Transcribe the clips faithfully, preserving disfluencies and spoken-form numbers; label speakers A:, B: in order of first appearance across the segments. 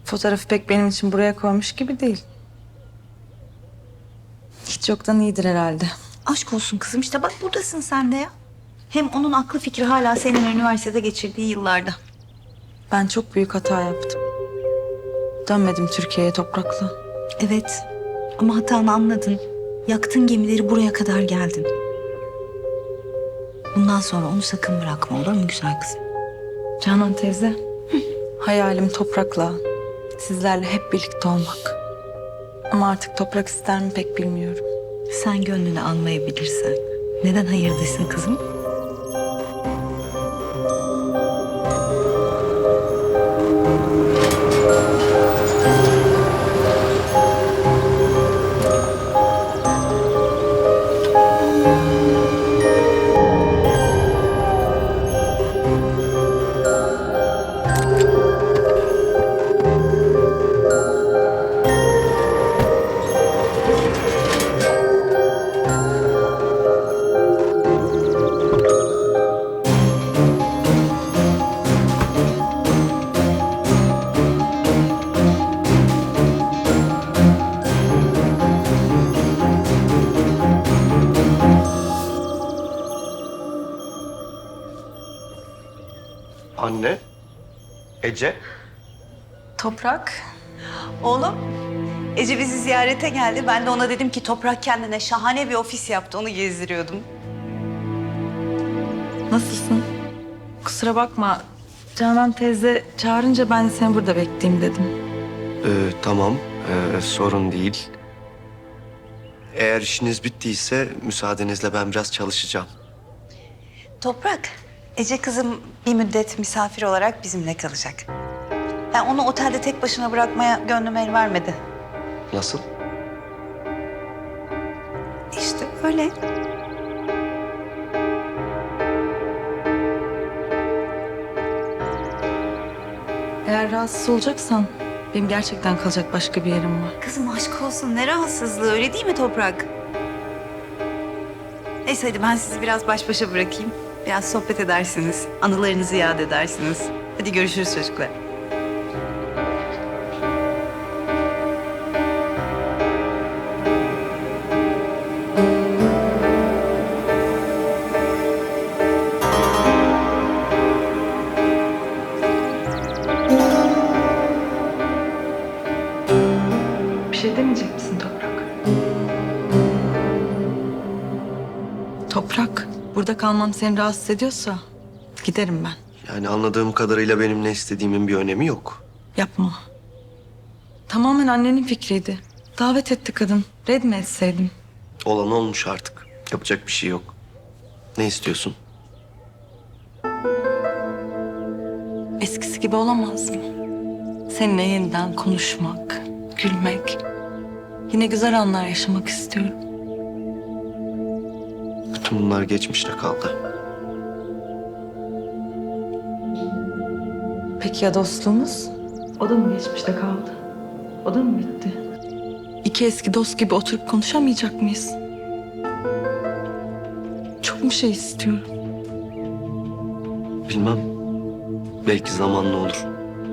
A: Fotoğrafı pek benim için buraya koymuş gibi değil. Hiç yoktan iyidir herhalde.
B: Aşk olsun kızım, işte bak buradasın sen de ya. Hem onun aklı fikri hala senin üniversitede geçirdiği yıllarda.
A: Ben çok büyük hata yaptım. Dönmedim Türkiye'ye toprakla.
B: Evet ama hatanı anladın. Yaktın gemileri, buraya kadar geldin. Bundan sonra onu sakın bırakma, olur mu güzel kızım?
A: Canan teyze, hayalim toprakla, sizlerle hep birlikte olmak. Ama artık toprak ister mi pek bilmiyorum.
B: Sen gönlünü almayabilirsen neden hayır desin kızım?
C: Anne, Ece.
A: Toprak,
B: Oğlum, Ece bizi ziyarete geldi. Ben de ona dedim ki Toprak kendine şahane bir ofis yaptı. Onu gezdiriyordum.
A: nasılsın? Kusura bakma, Canan teyze çağırınca ben de seni burada bekleyeyim dedim.
C: Ee, tamam, ee, sorun değil. Eğer işiniz bittiyse müsaadenizle ben biraz çalışacağım.
B: Toprak, Ece kızım bir müddet misafir olarak bizimle kalacak. Yani onu otelde tek başına bırakmaya gönlüm el vermedi.
C: Nasıl?
B: İşte öyle.
A: Eğer rahatsız olacaksan benim gerçekten kalacak başka bir yerim var.
B: Kızım aşk olsun, ne rahatsızlığı, öyle değil mi Toprak? Neyse hadi ben sizi biraz baş başa bırakayım. Biraz sohbet edersiniz, anılarınızı yad edersiniz. Hadi görüşürüz çocuklar.
A: Bir şey demeyecek misin Toprak? Toprak, burada kalmam seni rahatsız ediyorsa giderim ben.
C: Yani anladığım kadarıyla benim ne istediğimin bir önemi yok.
A: Yapma. Tamamen annenin fikriydi. Davet etti kadın. Red mi etseydim?
C: Olan olmuş artık. Yapacak bir şey yok. Ne istiyorsun?
A: Eskisi gibi olamaz mı? Seninle yeniden konuşmak, gülmek. Yine güzel anlar yaşamak istiyorum.
C: Bütün bunlar geçmişte kaldı.
A: Peki ya dostluğumuz? O da mı geçmişte kaldı? O da mı bitti? İki eski dost gibi oturup konuşamayacak mıyız? Çok mu şey istiyorum?
C: Bilmem. Belki zamanla olur.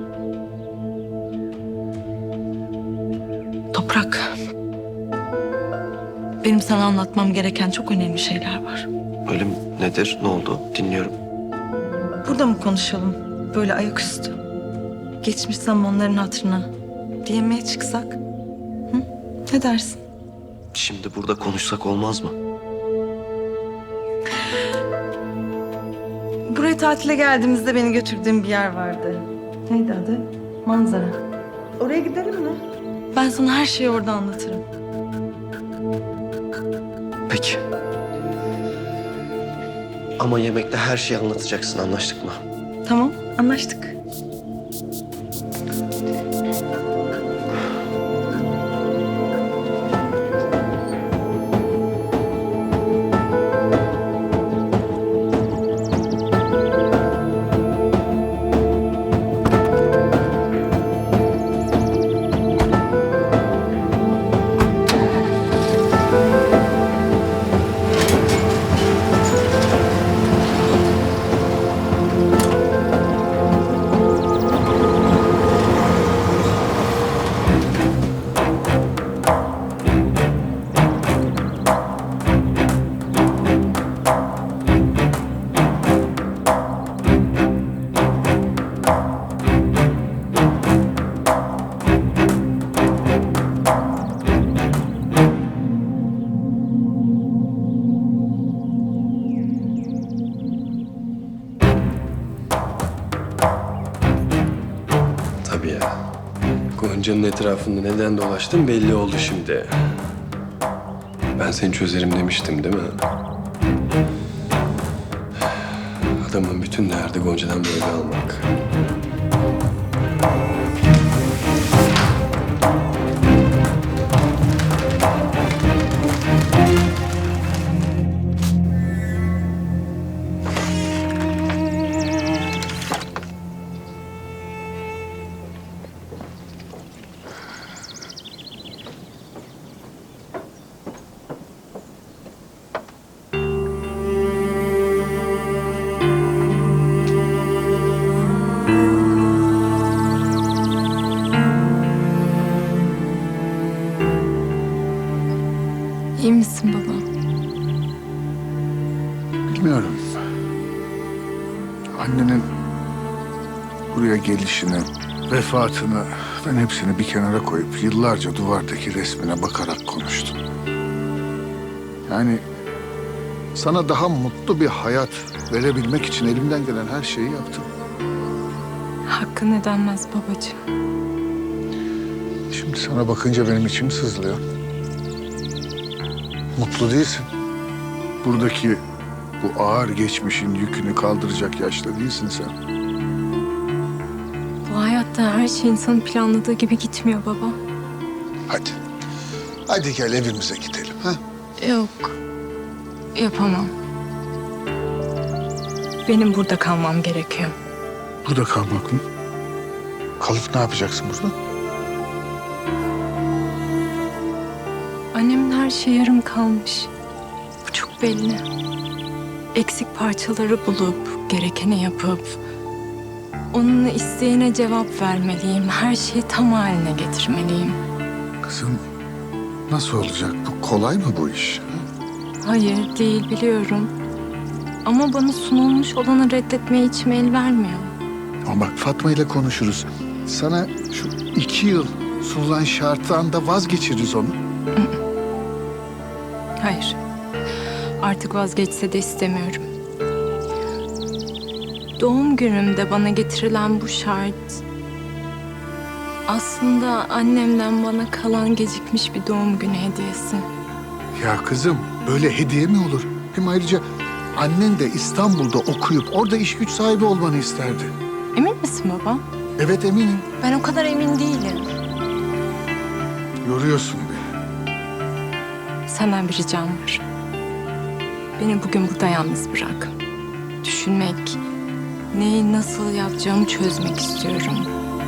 A: Toprak. Benim sana anlatmam gereken çok önemli şeyler var.
C: Öyle mi? Nedir? Ne oldu? Dinliyorum.
A: Burada mı konuşalım? Böyle ayaküstü. Geçmiş zamanların hatırına. Diyemeye çıksak. Hı? Ne dersin?
C: Şimdi burada konuşsak olmaz mı?
A: Buraya tatile geldiğimizde beni götürdüğün bir yer vardı. Neydi adı? Manzara. Oraya gidelim mi? Ben sana her şeyi orada anlatırım.
C: Peki. Ama yemekte her şeyi anlatacaksın, anlaştık mı?
A: Tamam, anlaştık.
D: abi ya. Gonca'nın etrafında neden dolaştın belli oldu şimdi. Ben seni çözerim demiştim değil mi? Adamın bütün derdi Gonca'dan böyle almak.
A: İyi misin baba?
E: Bilmiyorum. Annenin buraya gelişini, vefatını ben hepsini bir kenara koyup yıllarca duvardaki resmine bakarak konuştum. Yani sana daha mutlu bir hayat verebilmek için elimden gelen her şeyi yaptım.
A: Hakkın ödenmez babacığım.
E: Şimdi sana bakınca benim içim sızlıyor. Mutlu değilsin. Buradaki bu ağır geçmişin yükünü kaldıracak yaşta değilsin sen.
A: Bu hayatta her şey insanın planladığı gibi gitmiyor baba.
E: Hadi. Hadi gel evimize gidelim. Ha?
A: Yok. Yapamam. Benim burada kalmam gerekiyor.
E: Burada kalmak mı? Kalıp ne yapacaksın burada?
A: Annemin her şeyi yarım kalmış. Bu çok belli. Eksik parçaları bulup, gerekeni yapıp... onun isteğine cevap vermeliyim. Her şeyi tam haline getirmeliyim.
E: Kızım nasıl olacak? Bu kolay mı bu iş? ha?
A: Hayır, değil biliyorum. Ama bana sunulmuş olanı reddetmeye içim el vermiyor.
E: Ama bak Fatma ile konuşuruz. Sana şu iki yıl sunulan şarttan da vazgeçiririz onu.
A: Hayır. Artık vazgeçse de istemiyorum. Doğum günümde bana getirilen bu şart... aslında annemden bana kalan gecikmiş bir doğum günü hediyesi.
E: Ya kızım böyle hediye mi olur? Hem ayrıca annen de İstanbul'da okuyup orada iş güç sahibi olmanı isterdi.
A: Emin misin baba?
E: Evet eminim.
A: Ben o kadar emin değilim.
E: Yoruyorsun beni.
A: Senden bir ricam var. Beni bugün burada yalnız bırak. Düşünmek, neyi nasıl yapacağımı çözmek istiyorum.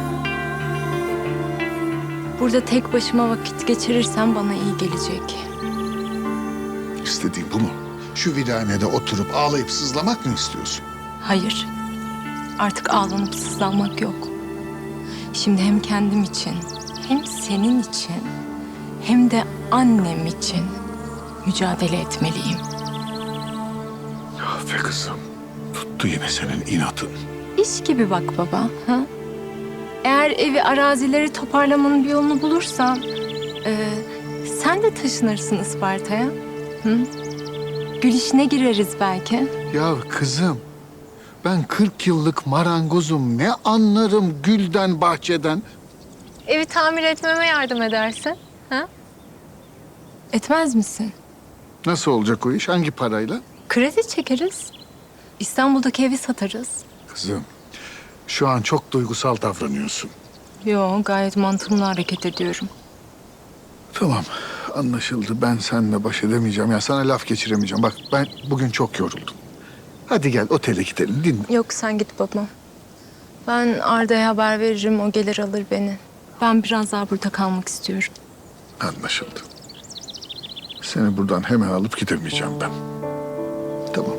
A: Burada tek başıma vakit geçirirsem bana iyi gelecek.
E: İstediğin bu mu? Şu viranede oturup ağlayıp sızlamak mı istiyorsun?
A: Hayır. Artık ağlanıp sızlanmak yok. Şimdi hem kendim için, hem senin için, hem de annem için mücadele etmeliyim.
E: Ah be kızım. Tuttu yine senin inatın.
A: İş gibi bak baba. Ha? Eğer evi, arazileri toparlamanın bir yolunu bulursan... e, sen de taşınırsın Isparta'ya. Hı? Gül işine gireriz belki.
E: Ya kızım, ben kırk yıllık marangozum. Ne anlarım gülden, bahçeden?
A: Evi tamir etmeme yardım edersin. Ha? Etmez misin?
E: Nasıl olacak o iş? Hangi parayla?
A: Kredi çekeriz. İstanbul'daki evi satarız.
E: Kızım, şu an çok duygusal davranıyorsun.
A: Yo, gayet mantığımla hareket ediyorum.
E: Tamam, anlaşıldı. Ben seninle baş edemeyeceğim. Ya sana laf geçiremeyeceğim. Bak ben bugün çok yoruldum. Hadi gel otele gidelim, dinle.
A: Yok, sen git baba. Ben Arda'ya haber veririm, o gelir alır beni. Ben biraz daha burada kalmak istiyorum.
E: Anlaşıldı. Seni buradan hemen alıp gidemeyeceğim ben. Tamam.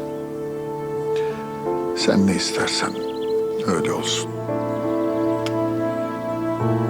E: Sen ne istersen öyle olsun.